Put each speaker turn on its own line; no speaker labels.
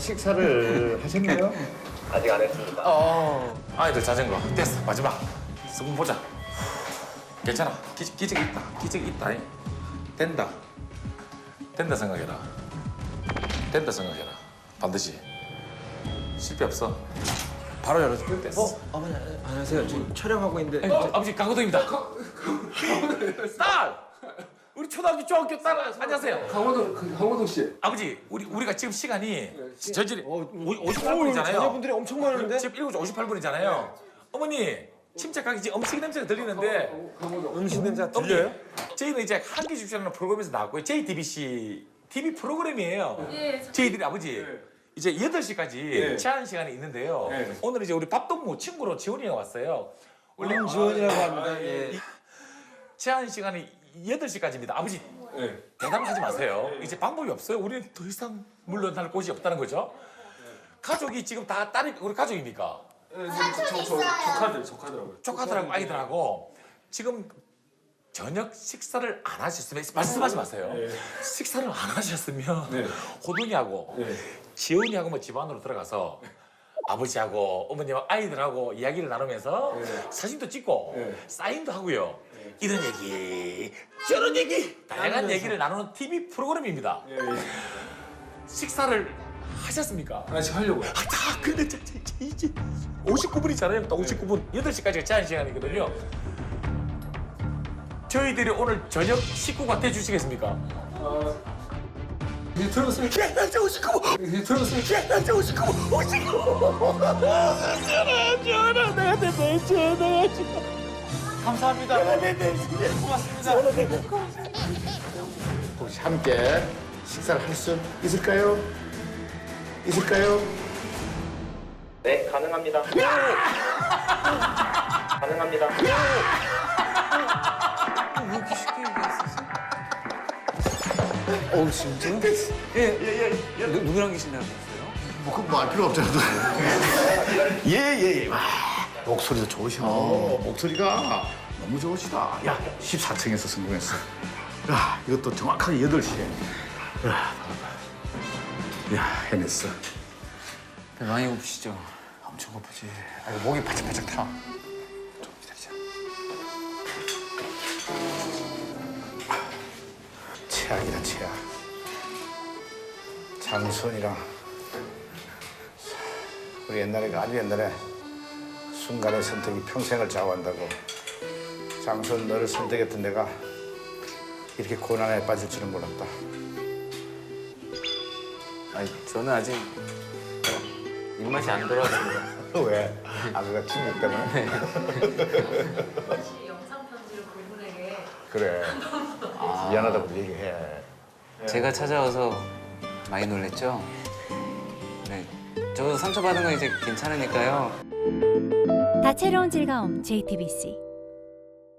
식사를 하셨나요?
아직 안 했습니다.
아이들 자전거 됐어. 마지막 수분 보자. 괜찮아. 기적이 있다. 기적이 있다. 된다. 된다 생각해라. 된다 생각해라. 반드시 실패 없어. 바로 열어줄게. 됐어.
어머니 안녕하세요. 지금 촬영하고 있는데.
아버지 강호동입니다. 딸! 우리 초등학교 중학교 딸 안녕하세요.
강호동 씨.
아버지 우리가 지금 시간이 저질이
오늘
58분이잖아요.
자녀분들이 엄청 많은데.
지금 7시 58분이잖아요. 어머니 침착하게 지금 음식 냄새가 들리는데
음식 냄새 들려요?
저희는 이제 한기 집시라는 프로그램에서 나왔고요. JTBC TV 프로그램이에요.
예.
저희들이 아버지 이제 8시까지 제한 시간이 있는데요. 오늘 이제 우리 밥동무 친구로 지원이가 왔어요. 원래
지원이라고 합니다. 예.
제한 시간이 8시까지입니다. 아버지 대담하지 마세요. 이제 방법이 없어요. 우리는 더 이상 물러날 곳이 없다는 거죠. 가족이 지금 다 딸이 우리 가족입니까?
조카더라고요.
조카들하고 아이들하고 지금 저녁 식사를 안 하셨으면 말씀하지 마세요. 식사를 안 하셨으면 호동이하고 지원이하고 뭐 집안으로 들어가서 아버지하고 어머니하고 아이들하고 이야기를 나누면서 사진도 찍고 사인도 하고요. 이런 얘기 저런 얘기 다양한 얘기를 나누는 TV 프로그램입니다. 식사를 하셨습니까?
아직 하려고요.
다 근데 이제 59분이잖아요. 또 59분 8시까지가 제한 시간이거든요. 저희들이 오늘 저녁 식구가 돼주시겠습니까?
이제 들어보세요.
야, 날짜 59분!
이제 들어보세요.
야, 날짜 59분! 59분! 전화, 내가 됐다, 전화.
감사합니다. 고맙습니다.
혹시 함께 식사를 할 수 있을까요? 있을까요?
네, 가능합니다. 가능합니다.
이렇게 쉽게 얘기했었어? 진짜? 누구랑 계신다고 했어요?
뭐 알 필요 없잖아. 예. 와, 목소리도 좋으셔. 목소리가 너무 좋으시다. 야, 14층에서 성공했어. 야, 이것도 정확하게 8시에. 야, 해냈어.
많이 고프시죠?
엄청 고프지. 아이고, 목이 바짝바짝 타. 좀 기다리자. 최악이다, 최악. 장선이랑 우리 옛날에 아주 옛날에 순간의 선택이 평생을 좌우한다고. 장선 너를 선택했던 내가 이렇게 고난에 빠질 줄은 몰랐다.
아니 저는 아직 입맛이 안 돌아왔습니다.
왜? 아그가 친구 때문에?
혹시 영상 편지를 그분에게
그래. 미안하다고 얘기해.
제가 찾아와서 많이 놀랬죠? 네, 저도 상처받은 건 이제 괜찮으니까요.
다채로운 즐거움 JTBC